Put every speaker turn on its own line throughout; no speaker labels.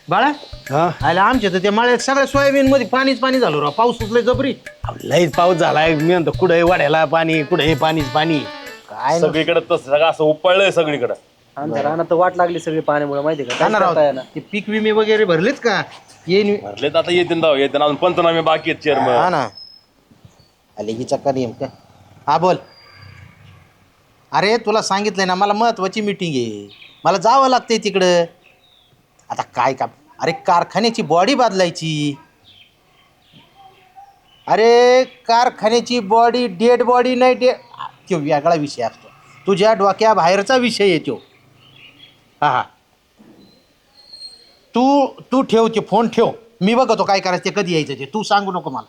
बाळा
हा
आले आमच्या तर त्या माळ्यात सगळ्या सोयाबीन मध्ये पाणीच पाणी झालं राव. पाऊस सुटलाय जबरी.
लईच पाऊस झालाय. मी म्हणतो कुठे वाड्याला पाणी, कुठे पाणीच पाणी.
काय
सगळीकडे तसं सगळं असं उपळलंय सगळीकडे.
आमच्या रानात तर वाट लागली सगळी पाण्यामुळे माहिती का
ना राव
काय ना
ते पीक विमे वगैरे भरलेच का? येईन
भरले तर आता येते ना येते अजून पंचनामे बाकी आहेत
हा
चेअरमन.
ना. आले की चक्का नियम का? हा बोल. अरे तुला सांगितलंय ना मला महत्वाची मीटिंग आहे. मला जावं लागतंय तिकडं. आता काय का अरे कारखान्याची बॉडी बदलायची. अरे कारखान्याची बॉडी डेड बॉडी नाही तो वेगळा विषय असतो. तुझ्या डोक्याबाहेरचा विषय आहे तो. हा हा तू तू ठेव ते फोन ठेव. मी बघतो काय करायचं ते कधी यायचं ते तू सांगू नको मला.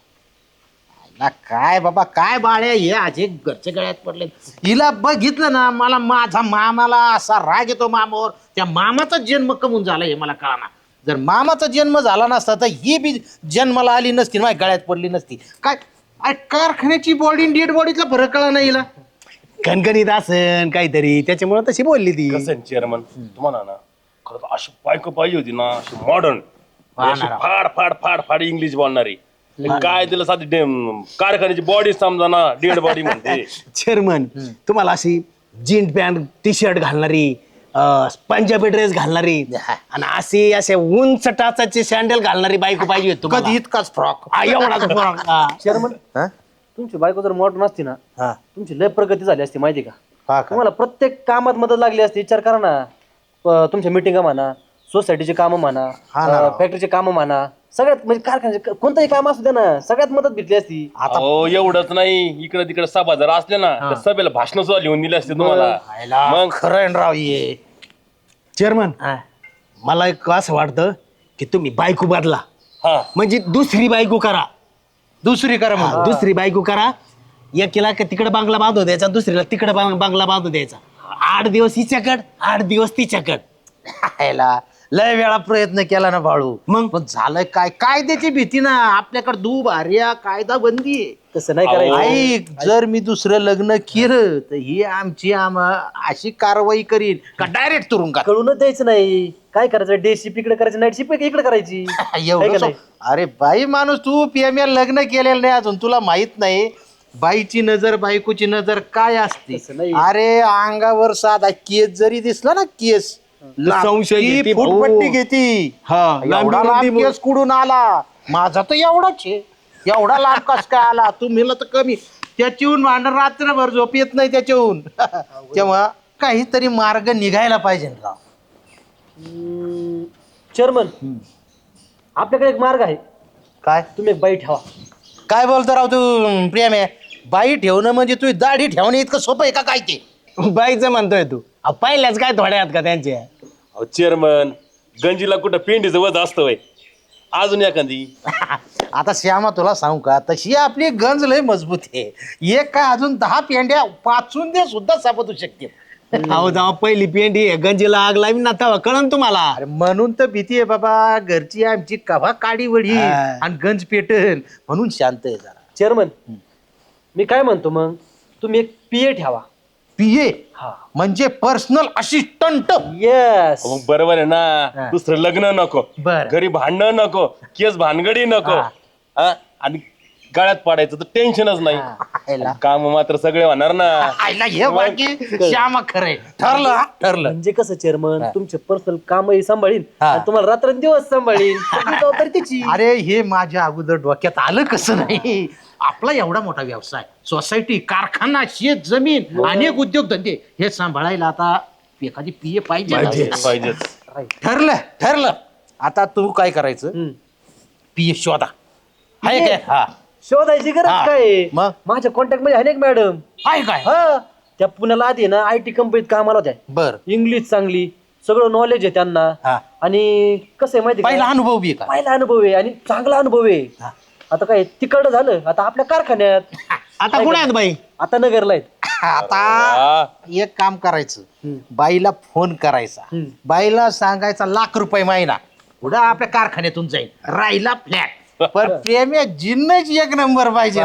ना काय बाबा काय बाळ्या हे आजे घरच्या गळ्यात पडले. हिला बघितलं ना मला माझा मामाला असा राग येतो मामावर. त्या मामाचा जन्म कमून झाला हे मला कळना. जर मामाचा जन्म झाला नसता तर ही बी जन्माला आली नसती माझ्या गळ्यात पडली नसती. काय अरे कारखान्याची बॉडी डेड बॉडीतला फरक कळा नाही हिला.
कणकणीत असन काहीतरी त्याच्यामुळे तशी बोलली ती.
कसं आहे चेअरमन तुम्हाला ना खरं तर अशी बायको पाहिजे होती ना अशी मॉडर्न फाड फाड फाड फाड इंग्लिश बोलणारी. काय तिला साधी कारखान्याची बॉडी समजा ना डेड बॉडी म्हणते.
चेअरमन तुम्हाला अशी जीन्स पॅन्ट टी शर्ट घालणारी, पंजाबी ड्रेस घालणारी आणि असे उंच टाचाचे सँडल घालणारी बायको पाहिजे होती तुम्हाला.
कधी इतकाच फ्रॉक.
एवढाच फरक. हा.
चेअरमन
हा?
तुमची बायको जर मॉडर्न असती ना
हा.
तुमची लय प्रगती झाली असती माहिती का.
हा का?
तुम्हाला प्रत्येक कामात मदत लागली असती. विचार करा ना तुमच्या मिटिंगा म्हणा, सोसायटीचे कामं म्हणा,
हा ना.
फॅक्टरीचे कामं म्हणा, सगळ्यात म्हणजे कारखान्याचे कोणतंही काम असू द्या ना सगळ्यात मदत भेटली असती.
हो एवढंच नाही इकडे तिकडे सभा जर असले ना तर सभेला भाषण सुद्धा लिहून दिले असते तुम्हाला.
मग खरं आहे ना राव ये.
चेअरमन मला एक असं वाटतं की तुम्ही बायको बदला.
हा
म्हणजे दुसरी बायको करा.
दुसरी करा मग.
दुसरी बायको करा. एकीला तिकडे बांगला बांधून द्यायचा, दुसरीला तिकडे बांगला बांधून द्यायचा. 8 दिवस हिच्याकड, 8 दिवस तिच्याकड.
हायला लय वेळा प्रयत्न केला ना बाळू.
मग?
पण झालंय काय कायद्याची भीती ना आपल्याकडे दुभार्या कायदा बंदी आहे.
तसं नाही करायचं.
ऐक जर मी दुसरं लग्न केलं तर ही आमची अशी कारवाई करीन का डायरेक्ट तुरुंगात.
कळूनच द्यायचं नाही. काय करायचं डे शिप इकडे करायची, नाईट शिप इकडे करायची.
एवढं
आहे का नाही?
अरे बाई माणूस तू पीएमएल लग्न केलेलं नाही अजून तुला माहित नाही. बाईची नजर बायकोची नजर काय असते.
तसं नाही.
अरे अंगावर साधा केस जरी दिसला ना केस
संशय घेते भाऊ.
फुटपट्टी घेती.
हा,
एवढा
लांबी
लांब केस कुठून आला. माझा तर एवढाच आहे. एवढा लांब कस काय आला. तुम्हीला तर कमी. त्याच्याहून भांडण रात्रभर झोप येत नाही त्याच्याहून. तेव्हा काहीतरी मार्ग निघायला पाहिजे ना राव.
चेअरमन आपल्याकडे एक मार्ग आहे.
काय
तुम्ही एक बाई ठेवा.
काय बोलतो राव तू प्रेम आहे. बाई ठेवणं म्हणजे तू दाढी ठेवणं इतकं सोपं आहे का काय ते.
बाईचं म्हणतोय तू. पहिल्याच काय थोड्या आहेत का त्यांच्या.
चेअरमन गंजीला कुठं पेंडीचं वज असतं वय अजून एखादी.
आता श्यामा तुला सांगू का तशी आपली गंज लय मजबूत आहे. एक काय अजून 10 पेंड्या पाचून दे सुद्धा सापडू शकते.
अहो जावा पहिली पेंडी आहे, गंजीला आग लावी ना तेव्हा कळन तुम्हाला.
अरे म्हणून तर भीती आहे बाबा. घरची आमची कवा काडी वडी आणि गंज पेटल म्हणून शांत आहे जरा.
चेअरमन मी काय म्हणतो मग तुम्ही एक पीए ठेवा.
पीए
हा
म्हणजे पर्सनल असिस्टंट.
येस.
मग बरोबर आहे ना. दुसरं लग्न नको,
बरं.
घरी भांडणं नको, केस भानगडी नको. हा? आणि गळ्यात पडायचं तर टेन्शनच नाही. काम मात्र सगळे होणार ना.
आईला हे बाकी श्यामा खरंय. ठरलं हा? ठरलं.
म्हणजे कसं चेअरमन तुमचे पर्सनल कामही सांभाळीन
हा.
आणि तुम्हाला रात्रंदिवस सांभाळीन. सगळी जबाबदारी तिची.
अरे हे माझ्या अगोदर डोक्यात आलं कसं नाही. आपला एवढा मोठा व्यवसाय, सोसायटी, कारखाना, शेत जमीन, अनेक उद्योगधंदे हे सांभाळायला आता एखादी पीए पाहिजे.
पाहिजेच.
ठरलं ठरलं. आता तू काय करायचं पीए शोधा. आहे काय. हा
शोधायची
हा.
गरज काय.
मग?
माझ्या कॉन्टॅक्ट मध्ये अनेक मॅडम.
आहे काय.
हा त्या पुण्याला आधी ना IT कंपनीत कामाला होत्या.
बर
इंग्लिश चांगली, सगळं नॉलेज आहे त्यांना.
हा.
आणि कसं आहे माहिती
पहिला
का
अनुभव बी आहे का.
पहिला अनुभव आहे आणि चांगला अनुभव आहे. आता काय तिकडं झालं आता आपल्या कारखान्यात.
आता कुठे आहेत बाई.
आता नगरला आहेत.
आता एक काम करायचं बाईला फोन करायचा. बाईला सांगायचा ₹1,00,000 महिना पुढं आपल्या कारखान्यातून जाईल राहिला फ्लॅट. पण प्रेम जिन्नच एक नंबर पाहिजे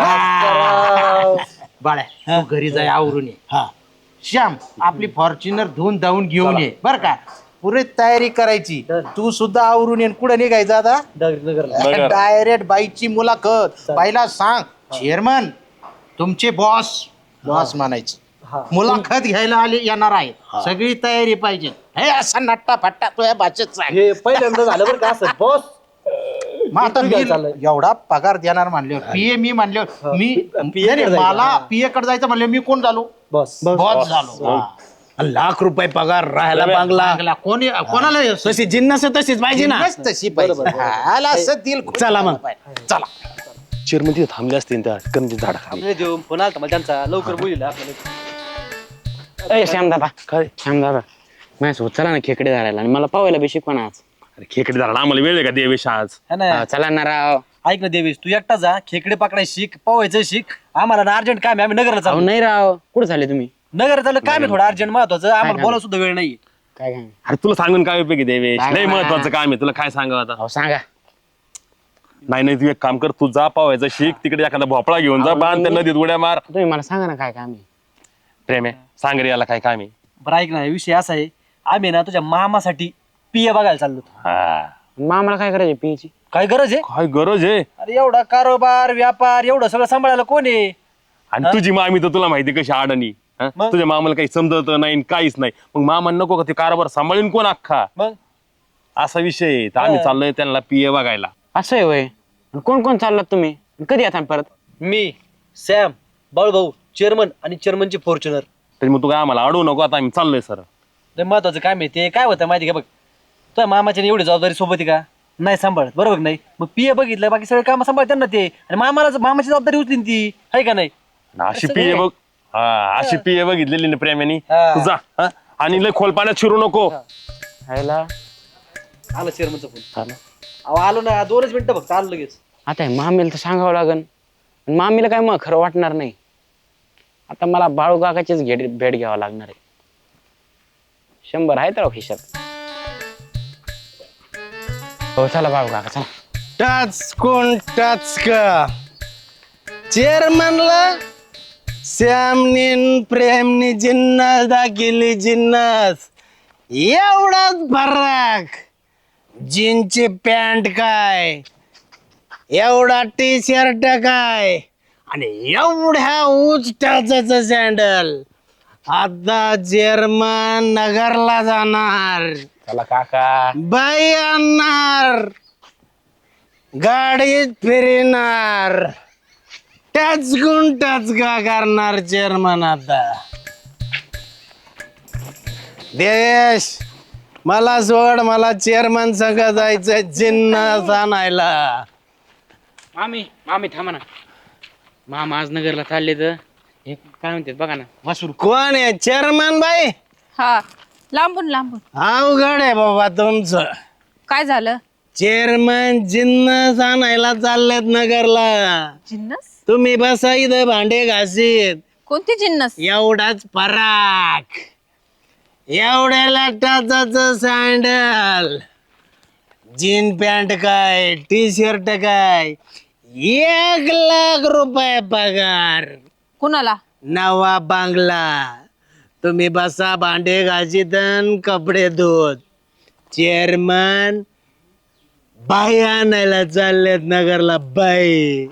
ना. बाळ्या तू घरी जाय आवरून ये.
हा
श्याम आपली फॉर्च्युनर धुवून धावून घेऊन ये बर का. पुरे तयारी करायची. तू सुद्धा आवरून येऊन कुठं निघायचं आता?
नगर.
डायरेक्ट बाईची मुलाखत. बाईला सांग चेअरमन तुमचे बॉस म्हणायचे. मुलाखत घ्यायला येणार आहे. सगळी तयारी पाहिजे. हे असा नट्टा फट्टा तुझ्या भाषेत सांग.
हे पहिल्यांदा झालं बरं का असं बॉस.
मग आता
काय
मी
चाललंय?
एवढा पगार देणार म्हणल्यावर पीए मी म्हणल्यावर मी
PA
नाही,
कडे
मला
जायचं.
पीए कडे जायचं म्हणल्यावर मी कोण झालो?
बॉस
बॉस झालो.
लाख रुपये पगार राहायला बांगला
चांगला कोणाला
तशी जिन्नस तशीच पाहिजे ना.
जिन्नस तशी पाहिजे. हाला असं दिल खुश
चला मग.
चला.
चेअरमन तिथे थांबले असतील त्या कणकी झाडाखाली.
देऊ फोन आला मला त्यांचा लवकर बोलिला आपल्याला.
अय श्यामदादा
काय
श्यामदादा माझ्यासोबत चला ना खेकडे धरायला आणि मला पावायला बी शिकवा ना आज.
अरे खेकडे झाला आम्हाला वेळ आहे का देवेश आज?
है ना
चला ना राव.
ऐक ना देवेश तू एकटा जा खेकडे पकडाय शिक पोवायचं शिक. आम्हाला ना अर्जंट काम आहे आम्ही नगरला
अहो
चालू.
नाही राव कुठं झाले तुम्ही?
नगर चालू काम आहे थोडं अर्जंट महत्वाचं आम्हाला बोला सुद्धा वेळ नाही.
काय काय
अरे तुला सांगून काय उपयोगी देवेश?
सांग
लय
ना.
महत्वाचं काम आहे तुला काय सांगावं आता?
अहो सांगा.
नाही तू एक काम कर, तू जा पावायचं शिक तिकडे एखादा भोपळा घेऊन जा बांध त्या नदीत उड्या मार.
तुम्ही मला सांगा ना काय काम आहे.
प्रेम आहे सांग रे याला काय काम आहे?
बरं ऐक ना विषय असा आहे आम्ही ना तुझ्या मामासाठी पिया बघायला चाललो होतो.
हा
मग आम्हाला काय करायचं पियची?
काय गरज आहे?
काय गरज आहे?
अरे एवढा कारोबार व्यापार एवढं सगळं सांभाळायला कोण आहे?
आणि तुझी मामी तर तुला माहिती कशी अडाणी. हं?
मग?
तुझ्या मामाला काही समजत नाही काहीच नाही. मग मामा नको का ते कारभार सांभाळून कोण अख्खा?
मग
असा विषय आहे. तर आम्ही चाललोय त्यांना पिये बघायला.
असं आहे वय. कोण कोण चाललात तुम्ही? कधी येता परत?
मी सॅम बाळूभाऊ चेअरमन आणि चेअरमनची फॉर्च्युनर.
तरी मग तू काय आम्हाला अडवू नको, आता आम्ही चाललोय सर.
लय महत्वाचं काम आहे ते. काय होतं माहिती का बघ तुझ्या मामाच्या एवढी जबाबदारी सोबत आहे का नाही सांभाळत बरोबर नाही. मग पिये बघितलं बाकी सगळे काम सांभाळतात ना ते. आणि मामाची जबाबदारी उचली ती आहे का नाही.
अशी पिये बघ. हा अशी पिये बघितलेली ना प्रेमाने.
हा.
तू जा हं? आणि लय खोल पाण्यात शिरू नको.
ह्याला
आलं चेअरमनचा फोन. अहो आलो ना 2च मिनिटं फक्त आलो लगेच.
आता हे मामीला तर सांगावं लागन. आणि मामीला काय मग खरं वाटणार नाही. आता मला बाळू काकाचीच भेट घ्यावं लागणार आहे. 100 आहेत राव खिशात. हो चला बाळू काका चला.
टाच कोण टाच का चेअरमनला श्यामने प्रेमने जिन्नस दाखिली जिन्नस. एवढाच फरक. जीनची पॅन्ट काय एवढा टी शर्ट काय आणि एवढ्या उच टाचाचं सँडल. आता चेअरमन नगरला जाणार.
चला काका.
बाई आणणार गाडीत फिरणार टच गुण टच का करणार चेअरमन. आता देश मला सोड मला चेअरमन संग जायचं जिन्नस आणायला.
मामी मामी थांबा ना. मामा आज नगरला चालले तर हे काय म्हणतात बघा ना वासुर.
कोण आहे चेअरमन बाई?
हा लांबून लांबून.
अवघड आहे बाबा तुमचं.
काय झालं?
चेअरमन जिन्नस आणायला चाललेत नगरला.
जिन्नस?
तुम्ही बसा इथं भांडे घासीत.
कोणती जिन्नस?
एवढाच पराक एवढ्याला टाचाचं सँडल जीन पॅन्ट काय टी शर्ट काय 1,00,000 रुपये पगार.
कुणाला?
नवा बांगला. तुम्ही बसा भांडे घासीत अन कपडे धुत. चेअरमन बाई आणायला चाललेत नगरला. बाई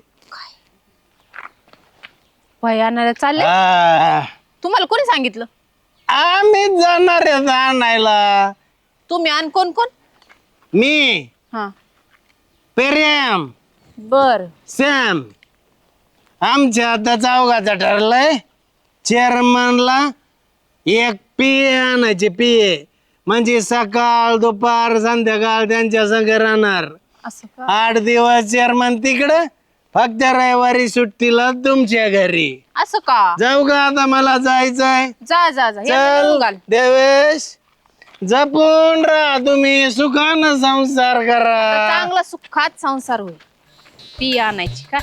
भयानाला चालले?
हा.
तुम्हाला कोणी सांगितलं?
आम्ही जाणार आहेत आणायला.
तुम्ही आणि कोण कोण?
मी
हा
प्रेम
बर.
सॅम आमच्या आता चौघाचं ठरलंय. चेअरमनला एक पिये आणायचे पिये म्हणजे सकाळ दुपार संध्याकाळ त्यांच्या संग राहणार.
असं का?
8 दिवस चेअरमन तिकडं फक्त रविवारी सुट्टीला तुमच्या घरी.
असं का?
जाऊ का आता मला जायचंय.
जा जा जा. या
चल
निघून घाल.
देवेश जपून राहा तुम्ही सुखानं संसार
तर
करा.
चांगला सुखात संसार होईल. पिया आणायची का?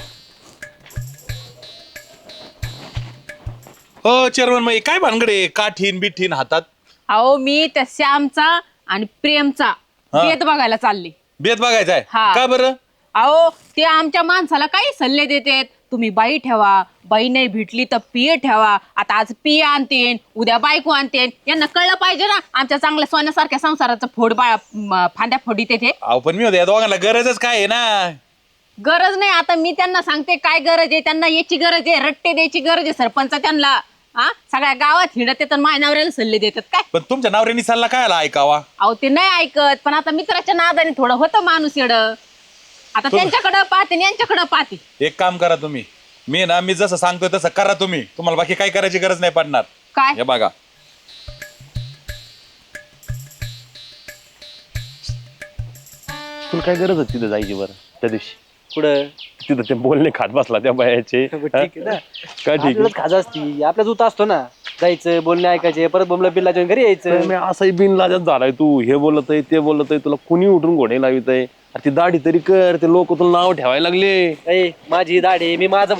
हो चेअरमन मग काय भानगडे काठीन बिठीन हातात
अहो मी त्या श्यामचा आणि प्रेमचा भेद बघायला चालले.
बेत बघायचा आहे
हा.
का बरं?
अहो ते आमच्या माणसाला काही सल्ले देतात. तुम्ही बाई ठेवा, बाई नाही भेटली तर पिये ठेवा. आता आज पिये आणतेन, उद्या बायको आणतेन. यांना कळलं पाहिजे ना आमच्या चांगल्या सोन्यासारख्या संसाराचं फांद्या फोडीत येते.
अहो पण मी होते या दोघांना गरजच काय आहे ना.
गरज नाही. आता मी त्यांना सांगते काय गरज आहे. त्यांना याची गरज आहे, रट्टे द्यायची गरज आहे सरपंच त्यांना. हा, सगळ्या गावात हिंडत येतात, माझ्या नवऱ्याला सल्ले देतात काय.
पण तुमच्या नवऱ्यानी सल्ला काय ऐकावा.
अहो ते नाही ऐकत, पण आता मित्राच्या नादाने थोडं होतं माणूस येड. आता त्यांच्याकडं पाहते आणि यांच्याकडं पाहते.
एक काम करा तुम्ही, मी जसं सांगतोय तसं करा तुम्ही. तुम्हाला बाकी काय करायची गरज नाही पडणार.
काय
हे बघा,
तुला काय गरज होती तिथं जायची बरं त्या दिवशी?
पुढं
तिथं ते बोलणे खात बसला त्या बायाचे.
ठीक आहे ना.
काय ठीक
आपल्यालाच खाजा असती, आपल्या दूत असतो ना, जायचं बोलणे ऐकायचे, परत बोंबला बिल्ला जेवण घरी यायचं.
मी असाही बिनलाजात झालाय. तू हे बोलत आहे ते बोलत आहे, तुला कुणी उठून घोडे लावित आहे. ती दाढी तरी कर, ते लोक तुला नाव ठेवायला लागले.
ए, माझी दाढी, मी माझं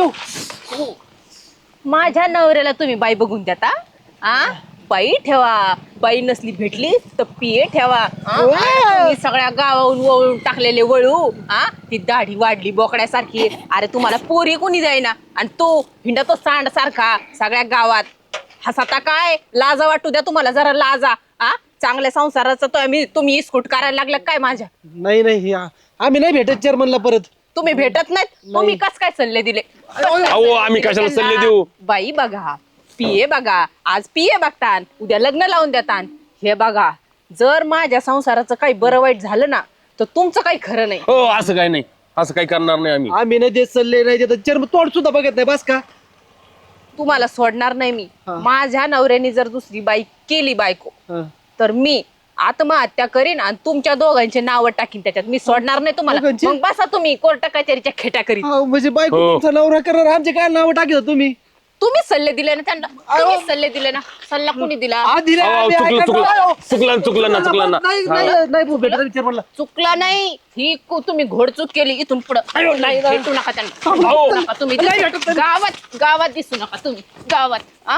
माझ्या नवऱ्याला तुम्ही बाई बघून देता. आ बाई ठेवा, बाई नसली भेटली तर पिये ठेवा. तुम्ही सगळ्या गावाहून वळून टाकलेले वळू. ती दाढी वाढली बोकड्यासारखी. अरे तुम्हाला पोरी कोणी जाईना आणि तो हिंडतो सांड सारखा सगळ्या गावात. हसता काय, लाजा वाटू द्या तुम्हाला जरा लाजा. चांगल्या संसाराचं तुम्ही इस्कूट करायला लागलं काय माझ्या.
नाही आम्ही नाही भेटत चेअरमनला परत.
तुम्ही भेटत नाहीत, तुम्ही कस काय सल्ले दिले.
अहो आम्ही कशाला सल्ले देऊ.
बाई बघा, पिये बघा, आज पिये बघतान, उद्या लग्न लावून देतान. हे बघा, जर माझ्या संसाराचं काही बरं वाईट झालं ना तर तुमचं काही खरं नाही.
हो असं काय नाही, असं काही करणार नाही आम्ही.
आम्ही नाही देत सल्ले, नाही देत चेअरमन तोड सुद्धा बघत नाही. बस का
तुम्हाला सोडणार नाही मी. माझ्या नवऱ्याने जर दुसरी बाई केली बायको तर मी आत्महत्या करीन आणि तुमच्या दोघांचे नाव टाकीन त्याच्यात. मी सोडणार नाही तुम्हाला.
दोघांची?
मग बसा तुम्ही कोर्ट कचेरीच्या खेट्या करीत.
म्हणजे बायको
हो.
तुमचा नवरा करणार, आमचे काय नाव टाकत तुम्ही.
तुम्ही सल्ले दिले ना त्यांना. तुम्ही सल्ले दिले ना. सल्ला कुणी दिला.
चुकलं ना.
नाही भेटत चेअरमनला.
चुकला नाही, ही तुम्ही घोडचूक केली. इथून पुढे भेटू नका त्यांना. भेटू नका तुम्ही. गावात दिसू नका तुम्ही गावात.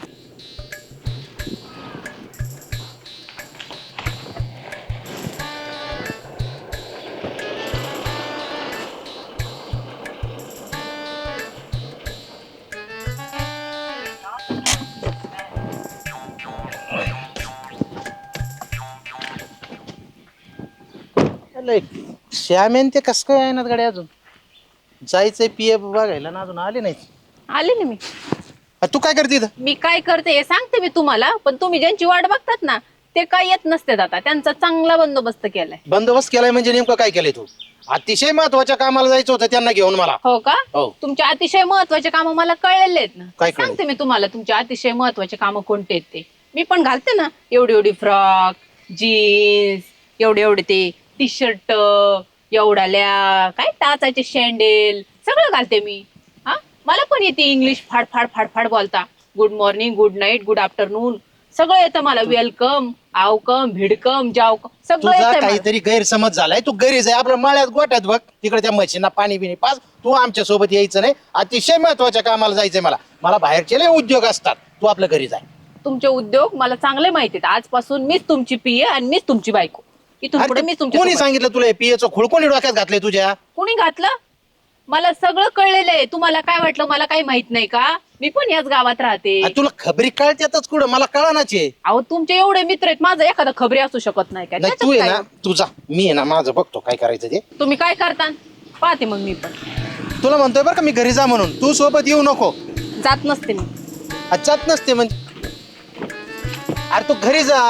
श्यामेन ते कस काय आहे ना गाडी अजून जायचंय पिये बघायला ना, अजून आले नाही.
आले ना मी.
तू काय करते इथं?
मी काय करते हे सांगते मी तुम्हाला. पण तुम्ही ज्यांची वाट बघतात ना ते काय येत नसते. आता त्यांचा चांगला बंदोबस्त केलाय.
बंदोबस्त केलाय म्हणजे नेमकं काय केलंय तू? अतिशय महत्वाच्या कामाला जायचं होतं त्यांना घेऊन मला.
हो का?
हो.
तुमचे अतिशय महत्वाचे काम मला कळलेले आहेत ना.
काय कळले?
सांगते मी तुम्हाला तुमचे अतिशय महत्वाचे काम कोणते आहेत ते. मी पण घालते ना एवढी फ्रॉक, जीन्स, एवढे ते टी शर्ट, एवढाल्या काय टाचाचे शँडेल सगळं घालते मी. मला पण येते इंग्लिश फाड बोलता. Good morning, good night, good afternoon सगळं येतं मला. वेलकम, आवकम, भिडकम, जावकम सगळं
तुझा
येतं.
काहीतरी गैरसमज झालाय. तू घरी जाय, आपल्या माळ्यात गोट्यात बघ, तिकडे त्या म्हशींना पाणी बिणी पाच. तू आमच्या सोबत यायचं नाही. अतिशय महत्वाच्या कामाला जायचंय मला बाहेरचे लय उद्योग असतात. तू आपल्या घरी जाय.
तुमचे उद्योग मला चांगले माहिती आहेत. आजपासून मीच तुमची पिये आणि मीच तुमची बायको. इथून पुढे मीच तुमची.
कोणी सांगितलं तुला हे पियेचं खूळ? कोणी डोक्यात घातलंय तुझ्या?
कोणी घातलं? मला सगळं कळलेलं आहे. तुम्हाला काय वाटलं मला काही माहित नाही का? मी पण याच गावात राहते.
तुला खबरी कळत्यातच कुठं? मला कळानाचे.
अहो तुमचे एवढे मित्र आहेत, माझा एखादा खबरी असू शकत नाही का?
नाही तू आहे ना, तुझा मी आहे ना, माझं बघतो काय करायचं ते.
तुम्ही काय करता पाहते मग मी पण.
तुला म्हणतोय बरं का मी घरी जा म्हणून. तू सोबत येऊ नको.
जात नसते मी.
जात नसते म्हणजे? अरे तू घरी जा.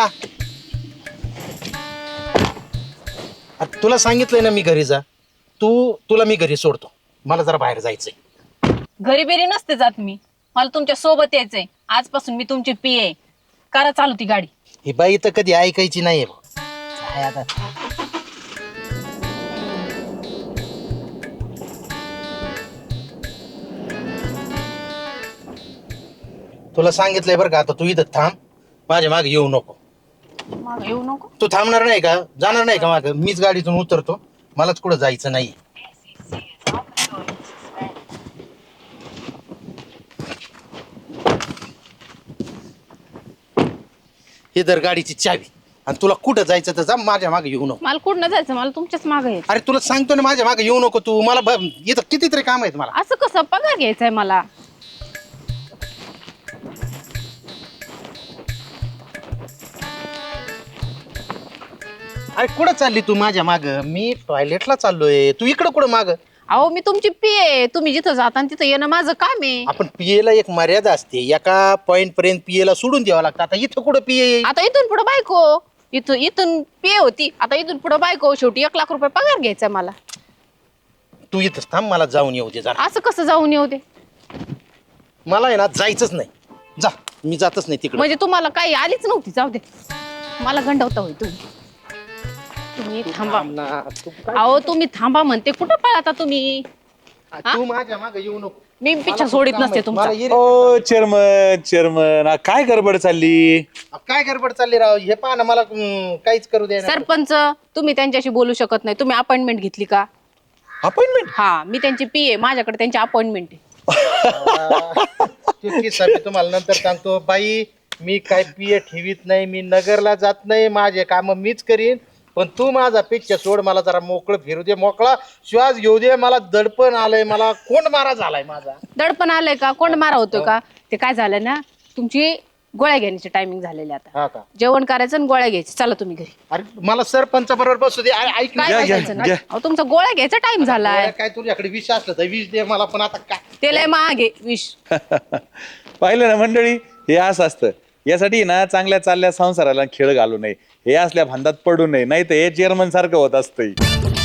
अरे तुला सांगितलंय ना मी घरी जा. तुला मी घरी सोडतो. मला जरा बाहेर जायचंय.
घरी बेरी नसते जात मी. मला तुमच्या सोबत यायचंय. आजपासून मी तुमची पिये. करा चालू ती गाडी.
ही बाई तर कधी ऐकायची नाहीये. काय आता तुला सांगितलंय बरं का, आता तू इथं थांब. माझ्या मागे येऊ नको.
मागं येऊ नको.
तू थांबणार नाही का? जाणार नाही का मागं? मीच गाडीतून उतरतो. मलाच कुठं जायचं नाही. हे दर गाडीची चावी. आणि तुला कुठं जायचं तर जा, माझ्या मागे येऊ नको.
मला कुठं जायचं? मला तुमच्याच मागे यायचं.
अरे तुला सांगतो ना, माझ्या मागे येऊ नको तू. मला इथं कितीतरी काम आहेत मला.
असं कसं कसं पगार घ्यायचाय मला.
अरे कुठं चालली तू माझ्या माग? मी टॉयलेटला चाललोय, तू इकडं कुठं माग?
अहो मी तुमची पीए, तुम्ही जिथं जाता तिथं येणं माझं काम आहे.
आपण पियेला एक मर्यादा असते, एका पॉइंट पर्यंत पियेला सोडून द्यावं लागतं. आता इथं कुठं पिये?
आता इथून पुढे बायको, इथून पीए होती, आता इथून पुढे बायको. शेवटी 1 लाख रुपये पगार घ्यायचा मला.
तू इथंच थांब, मला जाऊन येऊ दे जरा.
असं कसं जाऊन येऊ दे?
मला आहे ना जायचंच नाही. जा, मी जातच नाही तिकडे.
म्हणजे तुम्हाला काही आलीच नव्हती, जाऊ दे. मला गंडवता होय तुम्ही थांबा. अहो तुम्ही थांबा म्हणते, कुठं पळाता तुम्ही?
तू माझ्या माग येऊ नको.
मी पिच्छा सोडित नसते तुमचा.
मला ये-
ओ चेअरमन काय गडबड चालली?
काय गडबड चालली राव? हे पहा ना, मला काहीच करू दे.
सरपंच, तुम्ही त्यांच्याशी बोलू शकत नाही. तुम्ही अपॉइंटमेंट घेतली का?
अपॉइंटमेंट?
हा, मी त्यांची पीए, माझ्याकडे त्यांची अपॉइंटमेंट आहे.
तुम्हाला नंतर सांगतो बाई. मी काय पिये ठेवीत नाही, मी नगरला जात नाही, माझे काम मीच करीन. पण तू माझा पिच्चा सोड, मला जरा मोकळं फिरू दे, मोकळा श्वास घेऊ दे. मला दडपण आलंय, मला कोण मारा झालाय माझा.
दडपण आलंय का? कोण मारा होतो का? ते काय झालं ना, तुमची गोळ्या घेण्याची टायमिंग झालेली आता.
हा का?
जेवण करायचं आणि गोळ्या घ्यायची. चला तुम्ही घरी.
अरे मला सरपंच बरोबर बसू दे. अरे ऐक ना.
काय बसायचं ना? अहो, तुमचा गोळ्या घ्यायचा टाइम झालाय.
काय तुझ्याकडे विष असलं तर विष दे मला, पण आता काय?
ते लय महाग आहे विष.
पाहिलं ना मंडळी, हे असं असतं. यासाठी ना चांगल्या चालल्या संसाराला खेळ घालू नये, हे असल्या भांडात पडू नये, नाही तर हे चेअरमन सारखं होत असतं.